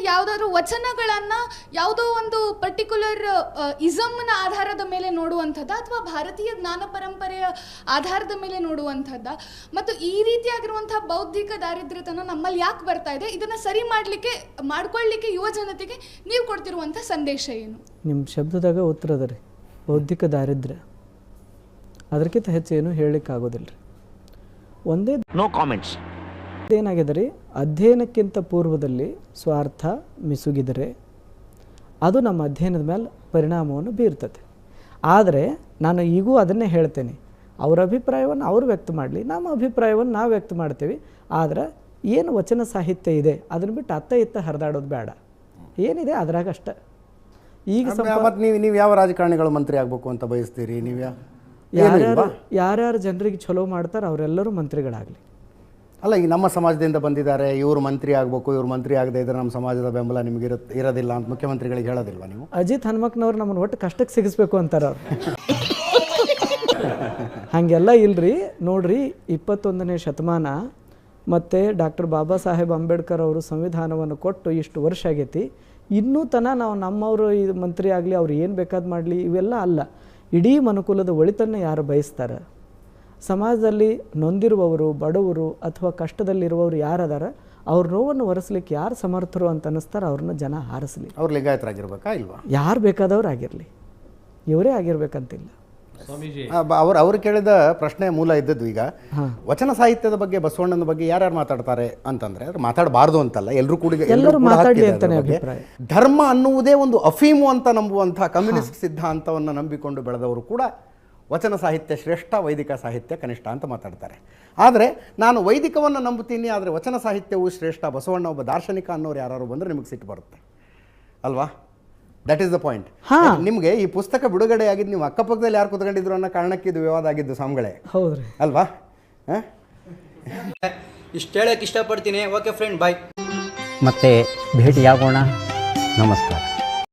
ಯಾವುದಾದ್ರೂ ವಚನಗಳನ್ನು ಯಾವುದೋ ಒಂದು ಪರ್ಟಿಕ್ಯುಲರ್ ಇಸಮ್ನ ಆಧಾರದ ಮೇಲೆ ನೋಡುವಂಥದ್ದು ಅಥವಾ ಭಾರತೀಯ ಜ್ಞಾನ ಪರಂಪರೆಯ ಆಧಾರದ ಮೇಲೆ ನೋಡುವಂಥದ್ದ, ಮತ್ತು ಈ ರೀತಿಯಾಗಿರುವಂಥ ಬೌದ್ಧಿಕ ದಾರಿದ್ರ್ಯತನ ನಮ್ಮಲ್ಲಿ ಯಾಕೆ ಬರ್ತಾ ಇದೆ, ಇದನ್ನು ಸರಿ ಮಾಡ್ಕೊಳ್ಳಿಕ್ಕೆ ಯುವ ಜನತೆಗೆ ನೀವು ಕೊಡ್ತಿರುವಂಥ ಸಂದೇಶ ಏನು? ನಿಮ್ಮ ಶಬ್ದದಾಗ ಉತ್ತರ ಅದ ರೀ, ಬೌದ್ಧಿಕ ದಾರಿದ್ರ್ಯ. ಅದಕ್ಕಿಂತ ಹೆಚ್ಚು ಏನು ಹೇಳಲಿಕ್ಕಾಗೋದಿಲ್ಲ ರೀ. ಒಂದೇ ನೋ ಕಾಮೆಂಟ್ಸ್. ಏನಾಗಿದೆ ರೀ, ಅಧ್ಯಯನಕ್ಕಿಂತ ಪೂರ್ವದಲ್ಲಿ ಸ್ವಾರ್ಥ ಮಿಸುಗಿದರೆ ಅದು ನಮ್ಮ ಅಧ್ಯಯನದ ಮೇಲೆ ಪರಿಣಾಮವನ್ನು ಬೀರ್ತದೆ. ಆದರೆ ನಾನು ಈಗೂ ಅದನ್ನೇ ಹೇಳ್ತೇನೆ, ಅವರ ಅಭಿಪ್ರಾಯವನ್ನು ಅವರು ವ್ಯಕ್ತ ಮಾಡಲಿ, ನಮ್ಮ ಅಭಿಪ್ರಾಯವನ್ನು ನಾವು ವ್ಯಕ್ತ ಮಾಡ್ತೀವಿ. ಆದರೆ ಏನು ವಚನ ಸಾಹಿತ್ಯ ಇದೆ ಅದನ್ನು ಬಿಟ್ಟು ಅತ್ತ ಇತ್ತ ಹರಿದಾಡೋದು ಬೇಡ. ಏನಿದೆ ಅದ್ರಾಗ ಅಷ್ಟ. ಈಗ ನೀವು ಯಾವ ರಾಜಕಾರಣಿಗಳು ಮಂತ್ರಿ ಆಗಬೇಕು ಅಂತ ಬಯಸ್ತೀರಿ? ನೀವು ಯಾರ್ಯಾರು ಜನರಿಗೆ ಚಲೋ ಮಾಡ್ತಾರೆ ಅವರೆಲ್ಲರೂ ಮಂತ್ರಿಗಳಾಗಲಿ. ಅಲ್ಲ, ಈಗ ನಮ್ಮ ಸಮಾಜದಿಂದ ಬಂದಿದ್ದಾರೆ, ಇವರು ಮಂತ್ರಿ ಆಗಬೇಕು, ಇವ್ರು ಮಂತ್ರಿ ಆಗದೆ ಇದ್ರೆ ನಮ್ಮ ಸಮಾಜದ ಬೆಂಬಲ ನಿಮಗೆ ಇರೋದಿಲ್ಲ ಅಂತ ಮುಖ್ಯಮಂತ್ರಿಗಳಿಗೆ ಹೇಳೋದಿಲ್ವಾ ನೀವು? ಅಜಿತ್ ಹನುಮಕ್ನವ್ರು ನಮ್ಮನ್ನು ಒಟ್ಟು ಕಷ್ಟಕ್ಕೆ ಸಿಗಿಸ್ಬೇಕು ಅಂತಾರೆ ಅವ್ರು. ಹಾಗೆಲ್ಲ ಇಲ್ರಿ. ನೋಡ್ರಿ, 21ನೇ ಶತಮಾನ ಮತ್ತು ಡಾಕ್ಟರ್ ಬಾಬಾ ಸಾಹೇಬ್ ಅಂಬೇಡ್ಕರ್ ಅವರು ಸಂವಿಧಾನವನ್ನು ಕೊಟ್ಟು ಇಷ್ಟು ವರ್ಷ ಆಗೈತಿ. ಇನ್ನೂ ನಾವು ನಮ್ಮವರು ಇದು ಮಂತ್ರಿ ಆಗಲಿ, ಅವ್ರು ಏನು ಬೇಕಾದ್ ಮಾಡಲಿ, ಇವೆಲ್ಲ ಅಲ್ಲ. ಇಡೀ ಮನುಕುಲದ ಒಳಿತನ್ನು ಯಾರು ಬಯಸ್ತಾರೆ, ಸಮಾಜದಲ್ಲಿ ನೊಂದಿರುವವರು, ಬಡವರು ಅಥವಾ ಕಷ್ಟದಲ್ಲಿರುವವರು ಯಾರದಾರ ಅವ್ರ ನೋವನ್ನು ಒರೆಸ್ಲಿಕ್ಕೆ ಯಾರು ಸಮರ್ಥರು ಅಂತ ಅನ್ನಿಸ್ತಾರೆ ಅವ್ರನ್ನ ಜನ ಹಾರಿಸಲಿ. ಅವ್ರು ಲಿಂಗಾಯತರಾಗಿರ್ಬೇಕಾ ಇಲ್ವಾ? ಯಾರು ಬೇಕಾದವ್ರು ಆಗಿರಲಿ, ಇವರೇ ಆಗಿರ್ಬೇಕಂತಿಲ್ಲ. ಅವ್ರು ಕೇಳಿದ ಪ್ರಶ್ನೆ ಮೂಲ ಇದ್ದದ್ದು ಈಗ ವಚನ ಸಾಹಿತ್ಯದ ಬಗ್ಗೆ, ಬಸವಣ್ಣನ ಬಗ್ಗೆ ಯಾರ್ಯಾರು ಮಾತಾಡ್ತಾರೆ ಅಂತಂದ್ರೆ ಮಾತಾಡಬಾರ್ದು ಅಂತಲ್ಲ, ಎಲ್ಲರೂ ಕೂಡ ಧರ್ಮ ಅನ್ನುವುದೇ ಒಂದು ಅಫೀಮು ಅಂತ ನಂಬುವಂತಹ ಕಮ್ಯುನಿಸ್ಟ್ ಸಿದ್ಧಾಂತವನ್ನು ನಂಬಿಕೊಂಡು ಬೆಳೆದವರು ಕೂಡ ವಚನ ಸಾಹಿತ್ಯ ಶ್ರೇಷ್ಠ, ವೈದಿಕ ಸಾಹಿತ್ಯ ಕನಿಷ್ಠ ಅಂತ ಮಾತಾಡ್ತಾರೆ. ಆದರೆ ನಾನು ವೈದಿಕವನ್ನು ನಂಬುತ್ತೀನಿ, ಆದರೆ ವಚನ ಸಾಹಿತ್ಯವು ಶ್ರೇಷ್ಠ, ಬಸವಣ್ಣ ಒಬ್ಬ ದಾರ್ಶನಿಕ ಅನ್ನೋರು ಯಾರು ಬಂದರೆ ನಿಮಗೆ ಸಿಟ್ಟು ಬರುತ್ತೆ ಅಲ್ವಾ? That is the point. ನಿಮಗೆ ಈ ಪುಸ್ತಕ ಬಿಡುಗಡೆ ಆಗಿದ್ದು ನೀವು ಅಕ್ಕಪಕ್ಕದಲ್ಲಿ ಯಾರು ಕುತ್ಕೊಂಡಿದ್ರು ಅನ್ನೋ ಕಾರಣಕ್ಕೆ ಇದು ವಿವಾದ ಆಗಿದ್ದು ಸ್ವಾಮಿಗಳೇ, ಹೌದ್ರಿ ಅಲ್ವಾ? ಇಷ್ಟು ಹೇಳಕ್ಕೆ ಇಷ್ಟಪಡ್ತೀನಿ. Okay friend, bye. ಮತ್ತೆ ಭೇಟಿಯಾಗೋಣ. ನಮಸ್ಕಾರ.